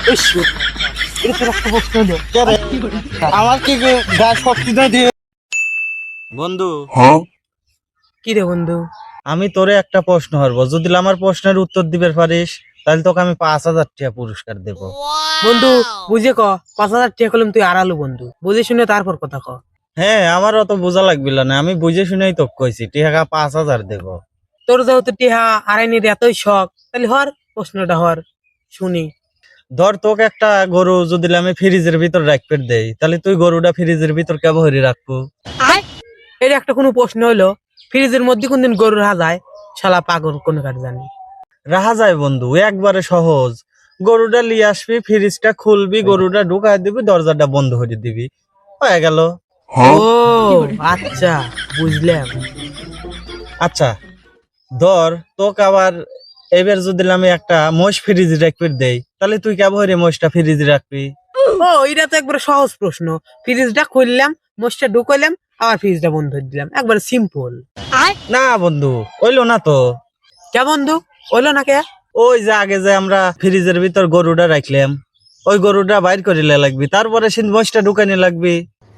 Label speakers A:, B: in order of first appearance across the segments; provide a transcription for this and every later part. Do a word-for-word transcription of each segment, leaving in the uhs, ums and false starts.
A: আমার কি গাছ শক্তি না দিয়ে বন্ধু
B: কি রে বন্ধু?
A: আমি তোরে একটা প্রশ্ন করবো, যদি আমার প্রশ্নের উত্তর দিবে পারিস তাহলে তোকে আমি পাঁচ হাজার টাকা পুরস্কার দেবো।
B: বন্ধু বুঝে ক, পাঁচ হাজার টাকা করলাম তুই আড়ালো বন্ধু, বুঝে শুনে তারপর কথা ক।
A: হ্যাঁ, আমার অত বোঝা লাগবিল না, আমি বুঝে শুনেই তো কইছি টিকা পাঁচ হাজার দেবো।
B: তোর যেহেতু টিহা আড়াইনির এতই শখ, তাহলে হর প্রশ্নটা হর শুনি।
A: ধর তোকে একটা গরু যদি আমি ফ্রিজের ভিতর রাখতে দেই, তাহলে তুই গরুটা ফ্রিজের ভিতর কেবল হরি রাখবো?
B: এটা একটা কোনো প্রশ্ন হইলো? ফ্রিজের মধ্যে কোনদিন গরু রাখা যায়? শালা পাগল কোন কার জানি।
A: রাখা যায় বন্ধু, একবারে সহজ। গরুটা লিয়ে আসবি, ফ্রিজটা খুলবি, গরুটা ঢুকাই দিবি, দরজাটা বন্ধ করে দিবি, হয়ে গেল।
B: ও আচ্ছা, বুঝলাম।
A: আচ্ছা ধর তোকে আবার এবার যদি আমি একটা মোষ ফ্রিজ রাখতে দেই, তাহলে তুই কেবল হরি মোষটা ফ্রিজ রাখবি?
B: ও এটা তো একবার সহজ প্রশ্ন। ফ্রিজটা খুললাম, মোষটা ঢুকাইলাম, আবার ফ্রিজটা বন্ধ করে দিলাম, একবার সিম্পল।
A: না বন্ধু, ওইলো না তো।
B: কে বন্ধু হইলো না কে?
A: ওই যে আগে যে আমরা ফ্রিজের ভিতর গরুটা রাখলাম, ওই গরুটা বাইর করিলে লাগবি, তারপরে সে মোষটা ঢুকানি লাগবি।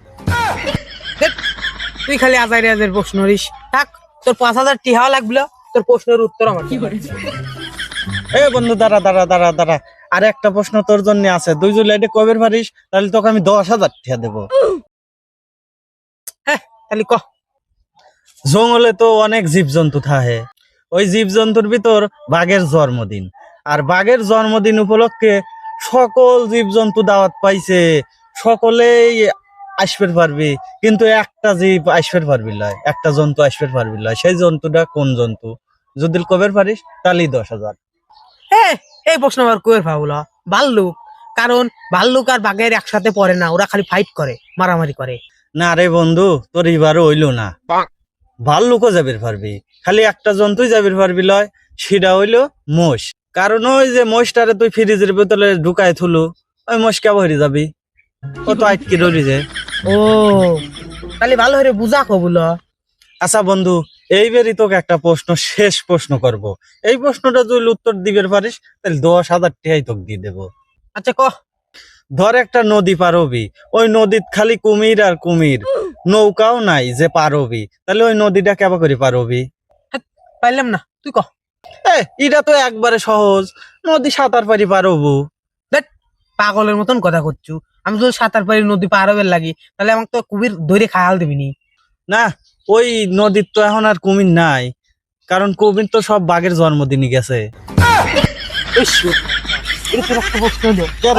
B: তুই খালি আজাইরে আজের প্রশ্ন করিস। থাক, তোর পাঁচ হাজার টিহা লাগলো, তোর প্রশ্নের উত্তর আমার কি করে।
A: এ বন্ধু দাঁড়া দাঁড়া দাঁড়া দাঁড়া, আর একটা প্রশ্ন তোর জন্য আছে। তুই যদি এটা কবের পারিস তাহলে তোকে আমি দশ হাজার টাকা দেবো।
B: হ্যাঁ তাহলে ক।
A: জঙ্গলে তো অনেক জীবজন্তু থাকে, ওই জীবজন্তুর ভিতর বাঘের জন্মদিন, আর বাঘের জন্মদিন উপলক্ষে সকল জীবজন্তু দাওয়াত পাইছে, সকলেই আসবে পারবি, কিন্তু একটা জীব আসবে পারবি লয়, একটা জন্তু আসবে পারবি লয়। সেই জন্তুটা কোন জন্তু? যদি কবের পারিস তাহলেই দশ হাজার।
B: হ্যাঁ, এই প্রশ্ন আমার কুয়ের ভাবলো ভাল্লুক। কারণ ভাল্লুক আর বাঘের একসাথে পড়ে না, ওরা খালি ফাইট করে, মারামারি করে।
A: না রে বন্ধু, তোর এবারও হইল না। ভাল্লুকও যাবির পারবি, খালি একটা জন্তুই যাবির পারবি লয়, সেটা হইলো মোষ। কারণ ওই যে মোষটারে তুই ফ্রিজের ভিতরে ঢুকায় থুলু, ওই মোষ কেবল হরি যাবি, ও তো আটকে রইলি যে।
B: ও তাহলে ভালো হয়ে বুঝা কবুল।
A: আচ্ছা বন্ধু, এইবারই তোকে একটা প্রশ্ন, শেষ প্রশ্ন করব। এই প্রশ্নটা যদি উত্তর দিবে পারিস তাহলে দশ হাজার টাকাই তোকে দিয়ে দেবো।
B: আচ্ছা ক।
A: ধর একটা নদী পারবি, ওই নদীত খালি কুমির আর কুমির, নৌকাও নাই যে পারবি, তাহলে ওই নদীটা কেবা করে পারবি?
B: পাইলাম না, তুই ক।
A: এ এটা তো একবারে সহজ, নদী সাঁতার পারি পারবো।
B: দেখ পাগলের মতন কথা করছু। আমি যদি সাঁতার পারি নদী পার হবার লাগি, তাহলে আমাকে তো কুমির ধরে খায়াল দিবি নি।
A: না, ওই নদীর তো এখন আর কুমির নাই, কারণ কুমির তো সব বাঘের জন্মদিনই গেছে।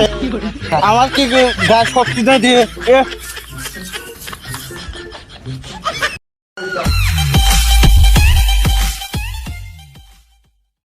A: আমার কি গাছ শক্তি না দিয়ে